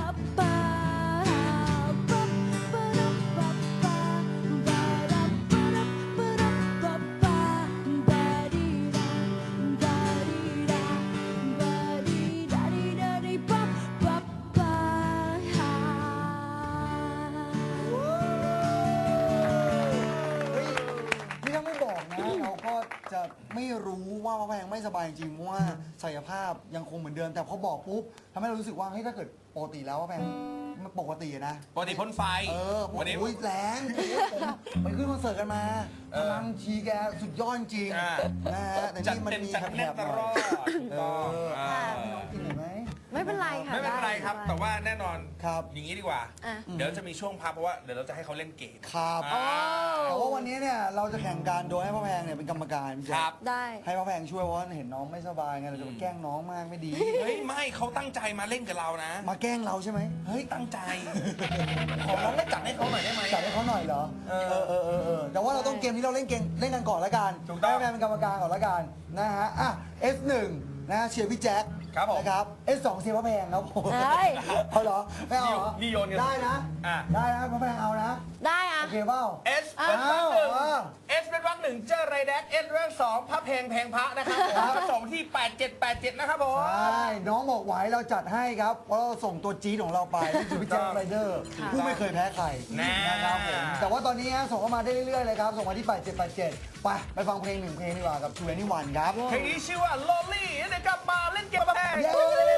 นี่ถ้าไม่บอกนะเราก็จะไม่รู้ว่าพระแพงไม่สบายจริงเพราะว่าศักยภาพยังคงเหมือนเดิม แต่พอบอกปุ๊บทำให้เรารู้สึกว่าเฮ้ยถ้าเกิดปกติแล้วพระแพงมันปกตินะปกติพ้นไฟวันนี้แรงผมไปขึ้นคอนเสิร์ตกันมาพลังชีแกสุดยอดจริงนะฮะแต่จัดนี่มันเต็มมีจัดแถแน่นบตๆหลน่ออยดถูกต้องกินหน่อยไหมไม่เป็นไรค่ะไม่เป็นไรครับด้แต่ว่าแน่นอนครับอย่างนี้ดีกว่าอ่ะเดี๋ยวจะมีช่วงพักเพราะว่าเดี๋ยวเราจะให้เขาเล่นเกมครับอ่าแต่ว่าวันนี้เนี่ยเราจะแข่งกันโดยให้พระแพงเนี่ยเป็นกรรมการพี่แจ๊ครับได้ให้พระแพงช่วยเพราะว่าเห็นน้องไม่สบายไงเราจะไปแกล้งน้องมากไม่ดีเฮ้ยไม่เขาตั้งใจมาเล่นกับเรานะมาแกล้งเราใช่ไหมเฮ้ยตั้งใจ ขอร้องได้จัดให้เขาหน่อยได้ไหมจัดให้เขาหน่อยเหรอ แต่ว่าเราต้องเกมนี้เราเล่นกันก่อนละกันถูกต้องให้พระแพงเป็นกรรมการก่อนละกันนะฮะอ่ะ S1 นะเชียร์พี่แจ็คครับผมนะครับ S2 เชียร์พระแพงครับผมเฮ้ยเอาเหรอไม่เอาเหรอนี่โยนกันได้นะอ่ะได้นะพระแพงเอานะได้อะโอเคเปล่า S เป็นวรรคหนึ่งอ้าว S เป็นวรรคหนึ่งเจอไรแดก S เรื่องสองพระเพลงเพลงพระนะครับผมผสมที่ 8787 นะครับผมใช่น้องบอกไหวเราจัดให้ครับเพราะเราส่งตัวจี๊ดของเราไปนี่คือพี่แจ็คไรเดอร์ผู้ไม่เคยแพ้ใครแน่นะครับผมแต่ว่าตอนนี้ฮะส่งเข้ามาได้เรื่อยๆเลยครับ ส่งมาที่ 8787 ไปฟังเพลงหนึ่งเพลงดีกว่ากับ21ครับเพลงนี้ชื่อว่า Lonely เดี๋ยวกลับมาเล่นเกมกับแพงเย้